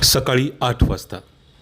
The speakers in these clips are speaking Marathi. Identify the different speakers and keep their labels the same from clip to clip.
Speaker 1: सकाळी 8 वाजता.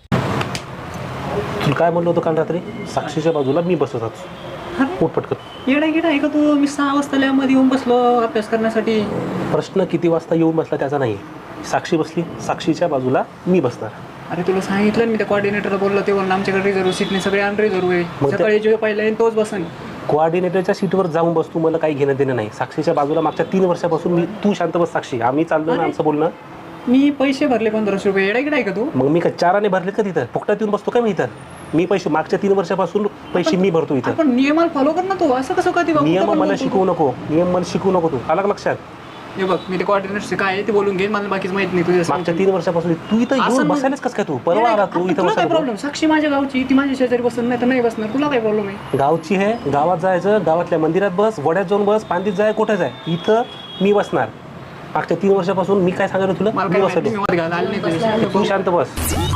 Speaker 2: तुला काय म्हणलं होतं काल रात्री? साक्षीच्या बाजूला मी बसत होतो. पोट पटकन
Speaker 3: येडा गेडा आहे का तू? मी 6 वाजता लॅबमध्ये येऊन बसलो अभ्यास करण्यासाठी.
Speaker 2: प्रश्न किती वाजता येऊन बसला त्याचा नाही. साक्षी बसली, साक्षीच्या बाजूला मी बसणार.
Speaker 3: अरे तुला सांगितलं मी त्या कोऑर्डिनेटरला बोललो, ते बोलणं आमच्याकडे रिझर्व सीटने सगळे अनरिझर्व आहे.
Speaker 2: मग
Speaker 3: सकाळी जो पहिला येईल तोच बसन.
Speaker 2: कोऑर्डिनेटरच्या सीटवर जाऊन बसतो, मला काही घेणं देणं नाही. साक्षीच्या बाजूला मागच्या 3 वर्षापासून मी, तू शांत बस साक्षी, आम्ही चाललो ना आमचं बोलणं.
Speaker 3: मी पैसे भरले 1500 रुपये. येडा गेडा आहे का तू?
Speaker 2: मग मी का चाराने भरले का तिथं? फुकटात येऊन बसतो का मी इथं? मी पैसे मागच्या 3 वर्षापासून पैसे मी भरतो इथं.
Speaker 3: पण नियमाला फॉलो कर ना तू. असं कसं का?
Speaker 2: नियम मला शिकवू नको, नियम मला शिकवू नको तू. आलं का लक्षात?
Speaker 3: हे बघ, मी ते कोऑर्डिनेटरचे काय आहे ते बोलून घेईन, मला बाकीच माहित नाही. तुझ्या
Speaker 2: मागच्या 3 वर्षापासून तू इथं येऊन बसायलाच कसं काय? तू परवा आला, तू इथं
Speaker 3: तुला काय
Speaker 2: बसायला.
Speaker 3: प्रॉब्लेम? साक्षी माझ्या गावची, ती माझ्या शेजारी बसून नाही तर नाही बसणार. तुला काय प्रॉब्लेम आहे?
Speaker 2: गावची आहे, गावात जायचं, गावातल्या मंदिरात बस, वड्यात जाऊन बस, पांदीत जाय, कुठे जाय, इथं मी बसणार. मागच्या 3 वर्षापासून मी काय सांगितलं तुला?
Speaker 3: मला
Speaker 2: मी
Speaker 3: काय माहिती,
Speaker 2: बसलो.
Speaker 3: मी मध्ये घालायला आले नाही तुझ्याशी.
Speaker 2: तू शांत बस.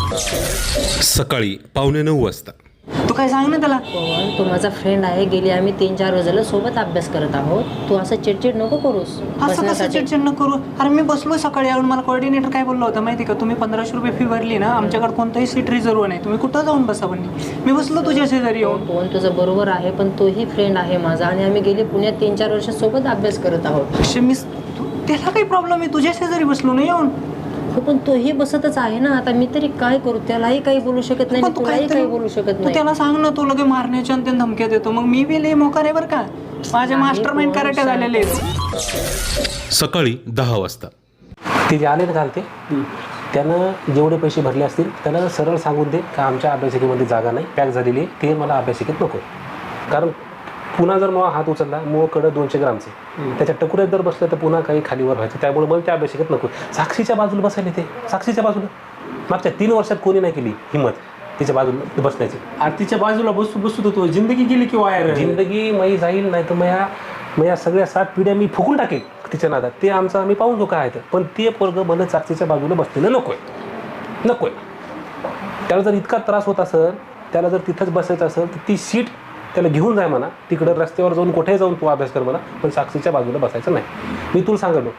Speaker 1: सकाळी 8:45 वाजता.
Speaker 3: तू काय सांग ना त्याला.
Speaker 4: पवन, तू माझा फ्रेंड आहे. गेली आम्ही 3-4 रोजाला सोबत अभ्यास करत आहोत. तू असं चिडचिड नको करूस
Speaker 3: असं कसं चिडचिड न करू? अरे मी बसलो सकाळी येऊन, मला कोऑर्डिनेटर काय बोलला होता माहिती का? तुम्ही 1500 रुपये फी भरली ना, आमच्याकडे कोणतंही सीट रिझर्व नाही, तुम्ही कुठं जाऊन बसा. पण मी बसलो तुझ्या शेजारी येऊन.
Speaker 4: पवन, तुझं बरोबर आहे, पण तोही फ्रेंड आहे माझा आणि आम्ही गेली पुण्यात 3-4 वर्ष सोबत अभ्यास करत आहोत.
Speaker 3: त्याला काही प्रॉब्लेम आहे? तुझ्या शेजारी बसलो ना येऊन.
Speaker 4: हो, पण तोही बसतच आहे ना. आता मी तरी काय करू? त्यालाही काही बोलू शकत नाही, तुलाही काही बोलू शकत
Speaker 3: तू
Speaker 4: नाही.
Speaker 3: त्याला सांग ना, तू लगे मारण्याच्या आणि धमक्या देतो. मग मी बी लय मोकार आहे बरं का. माझे मास्टर माइंड कराटे झालेले आहेत.
Speaker 1: सकाळी 10 वाजता.
Speaker 2: ते जे आले ना काल, ते त्यानं जेवढे पैसे भरले असतील त्यानं सरळ सांगून दे का आमच्या अभ्यासिकेमध्ये जागा नाही, पॅक झालेली आहे, ते मला अभ्यासिकेत नको. कारण पुन्हा जर मग हात उचलला, मग कडं 200 ग्रामचे, त्याच्या टकुऱ्यात जर बसलं तर पुन्हा काही खालीवर व्हायचं. त्यामुळे मला त्या अभ्यासिकेत नको. साक्षीच्या बाजूला बसायला, ते साक्षीच्या बाजूला मागच्या 3 वर्षात कोणी नाही केली हिंमत तिच्या बाजूला बसण्याची.
Speaker 5: आरतीच्या बाजूला बसू तो जिंदगी गेली की वायर.
Speaker 2: जिंदगी मई जाईल, नाही तर मया सगळ्या 7 पिढ्या मी फुकून टाकेल तिच्या नादात. ते आमचं आम्ही पाहून काय आहे. पण ते पोरगं मला साक्षीच्या बाजूला बसलेलं नकोय. त्याला जर इतका त्रास होत असेल, त्याला जर तिथंच बसायचं असेल तर ती सीट त्याला घेऊन जाय म्हणा. तिकडं रस्त्यावर जाऊन कुठेही जाऊन तू अभ्यास कर म्हणा, पण साक्षीच्या बाजूला बसायचं नाही. मी तुला सांगलो.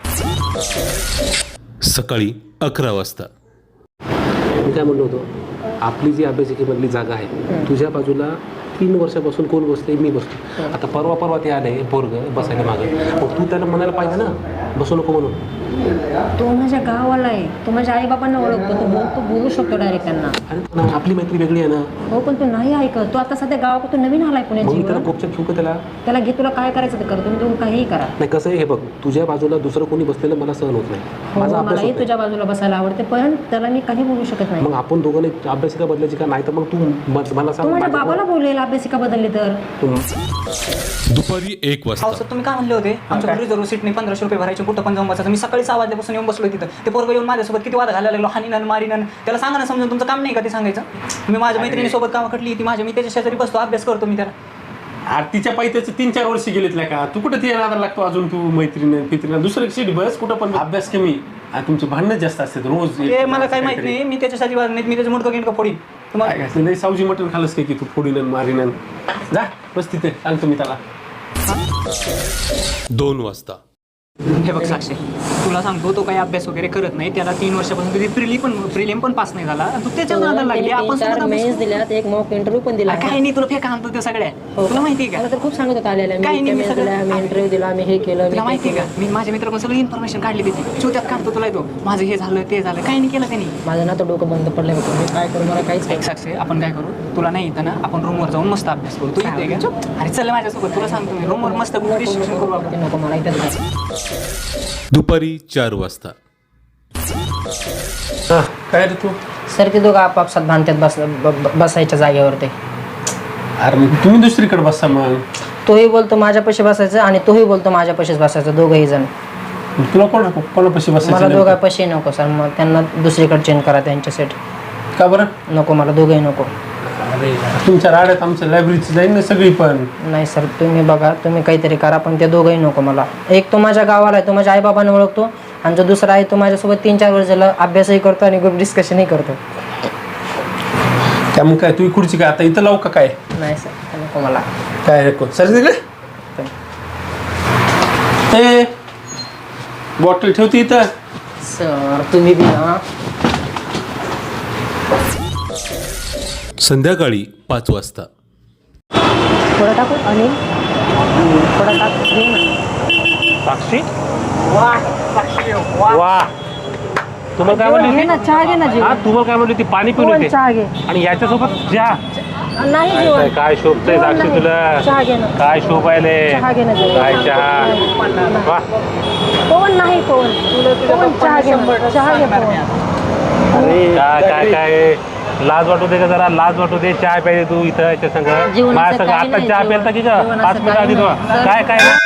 Speaker 1: सकाळी 11 वाजता.
Speaker 2: मी काय म्हणलो होतो, आपली जी अभ्यासिकेमधली जागा आहे, तुझ्या बाजूला 3 वर्षापासून कोण बसले? मी बसतो. आता परवा ते आले पोरग बसायला मागे, मग तू त्याला म्हणायला पाहिजे ना बसू नको म्हणून.
Speaker 4: तो माझ्या गावाला आहे, तो माझ्या आई बाबांना ओळखतो, तो बोलू शकतो डायरेक्ट त्यांना.
Speaker 2: अरे आपली मैत्री वेगळी आहे ना.
Speaker 4: हो, पण तू नाही ऐकत. तू आता सध्या गावाकडून नवीन आलाय
Speaker 2: मग मी त्याला
Speaker 4: पुण्यात.
Speaker 2: कोपच्यात ठेवू का
Speaker 4: त्याला घे, तुला काय करायचं ते कर. तुम्ही काहीही करा.
Speaker 2: नाही, कसं आहे हे बघ, तुझ्या बाजूला दुसरं कोणी बसलेलं मला सहन होत नाही. माझा
Speaker 4: हो,
Speaker 2: अभ्यास
Speaker 4: मलाही
Speaker 2: होत
Speaker 4: तुझ्या बाजूला बसायला आवडते, पण त्याला मी काही बोलू शकत
Speaker 2: नाही.
Speaker 4: नाही.
Speaker 2: मग आपण दोघांनी अभ्यासिका बदलायची का? नाही तर मग तू मला
Speaker 4: तू
Speaker 2: सांग.
Speaker 4: माझ्या बाबाला बोलेल अभ्यासिका बदलली तर.
Speaker 1: दुपारी 1
Speaker 3: हो
Speaker 1: वाजता.
Speaker 3: सर, तुम्ही काय म्हणले होते? आमच्याकडे रिझर्व सीटने 1500 रुपये भरायचे, कुठं पण जाऊन बसायचं. मी सकाळी 6 वाजल्यापासून येऊन बसलो तिथं. ते पोरगं येऊन माझ्यासोबत किती वाद घालायला लागलो, हानीनन मारीनन. त्याला सांगा ना समजून, तुमचं काम नाही का ते सांगायचं? मी माझ्या मैत्रिणीसोबत कामं खटली ती माझ्या, मी त्याच्या शेजारी बसतो, अभ्यास करतो मी त्याला.
Speaker 5: आरतीच्या पायी त्याचं 3-4 वर्ष गेलेतल्या का? तू कुठं ते नादाला लागतो अजून? तू मैत्रिणी दुसरं सीट बस, कुठं पण अभ्यास कमी. तुमचे भांडणं जास्त असतात रोज.
Speaker 3: ते मला काय माहित नाही, मी त्याच्या शेजारी नाही, मी त्याचं मुडकं गिंडकं फोडीन.
Speaker 5: तुम्हाला सावजी मटण खालस काय की तू फोडीन मारीन? जा बस तिथे, सांगतो मी त्याला.
Speaker 1: 2 वाजता.
Speaker 3: हे बघ साक्षी, तुला सांगतो, तो काही अभ्यास वगैरे करत नाही. त्याला 3 वर्षापासून कधी प्रिलिम पण पास नाही झाला. तू त्याच्या नादाला लागली. आपण
Speaker 4: 4 मेन्स दिल्यात, एक मॉक इंटरव्ह्यू पण दिला.
Speaker 3: काही नाही, तुला फेका आणतो ते सगळ्या. तुला माहिती आहे का?
Speaker 4: मला तर खूप सांगत होता आलेला, मी इंटरव्ह्यू दिला, मी हे केलं.
Speaker 3: तुला माहिती आहे का? मी माझ्या मित्राकडून सगळी इन्फॉर्मेशन काढली त्याची. चोट्यात काढतो तुला येतो, माझं हे झालं ते झालं. काही नाही केलं त्यांनी.
Speaker 4: माझं ना तर डोकं बंद पडलं होतं. मी काय करू? मला काहीच
Speaker 3: एक साक्षी, आपण काय करू? तुला नाही येतं ना, आपण रूमवर जाऊन मस्त अभ्यास करू. तू येते का? अरे चल माझ्यासोबत, तुला सांगतो मी रूमवर मस्त डिस्कशन करू आपण.
Speaker 4: नको मला इथं.
Speaker 1: दुपारी 4 वाजता.
Speaker 5: काय रे तू?
Speaker 4: सर, ते दोघं आपापसात भांडतात बसायच्या जागेवर. ते
Speaker 5: अरे मग तुम्ही दुसरीकडे बसा मग.
Speaker 4: तोही बोलतो माझ्या पैसे बसायचं आणि तोही बोलतो माझ्या पैसेच बसायचं, दोघंही जण.
Speaker 5: तुला कोणापाशी
Speaker 4: मला
Speaker 5: बसायचं?
Speaker 4: दोघा पैसे नको सर, मग त्यांना दुसरीकडे चेंज करा त्यांच्या सेट.
Speaker 5: का बरं?
Speaker 4: नको, मला दोघंही नको.
Speaker 5: अरे तुमच्या राड्यात आमच्या लायब्ररीची जाईल ना सगळी. पण
Speaker 4: नाही सर, तुम्ही बघा, तुम्ही काहीतरी करा, पण ते दोघंही नको मला. एक तो माझ्या गावाला आहे, तो माझ्या आई बाबांना ओळखतो, आणि जो दुसरा आहे तो माझ्यासोबत 3-4 वर्ष झालं अभ्यासही करतो आणि ग्रुप डिस्कशनही करतो.
Speaker 5: त्यामुळे काय तू खुर्ची काय आता इथं लावू का? काय
Speaker 4: नाही सर, नको मला.
Speaker 5: काय नको सर तिकडे. ए बॉटल ठेवते इथं.
Speaker 4: सर तुम्ही बी ना.
Speaker 1: संध्याकाळी 5 वाजता.
Speaker 4: थोडं टाकू अनिल थोडं टाक घे ना.
Speaker 2: साक्षी वा तुम्हाला काय
Speaker 4: जेवण
Speaker 2: म्हणली
Speaker 4: घे ना चहा घे ना
Speaker 2: हा
Speaker 4: जेवण
Speaker 2: तुम्हाला काय म्हणली ती पाणी पिऊन
Speaker 4: जेवण
Speaker 2: येते
Speaker 4: चहा घे
Speaker 2: आणि याच्यासोबत चहा
Speaker 4: नाही
Speaker 2: काय
Speaker 4: जेवण
Speaker 2: काय शोभतंय
Speaker 4: जेवण
Speaker 2: साक्षी
Speaker 4: नाही.
Speaker 2: तुला
Speaker 4: चहा घे ना
Speaker 2: काय शोभायले
Speaker 4: चहा घे ना जेवण.
Speaker 2: काय चहा वा
Speaker 4: पवन नाही पवन चहा घे ना चहा घे पवन
Speaker 2: काय काय काय लाज वाटू दे का जरा लाज वाटू दे चहा प्यायले तू इथं याच्या संग
Speaker 4: जेवणाचं
Speaker 2: माझ्या संग
Speaker 4: काही
Speaker 2: आता
Speaker 4: नाही,
Speaker 2: चहा प्यायला की का
Speaker 4: जेवणाचं
Speaker 2: 5 मिनिटं
Speaker 4: काही
Speaker 2: आधी
Speaker 4: नाही.
Speaker 2: तुला काय काय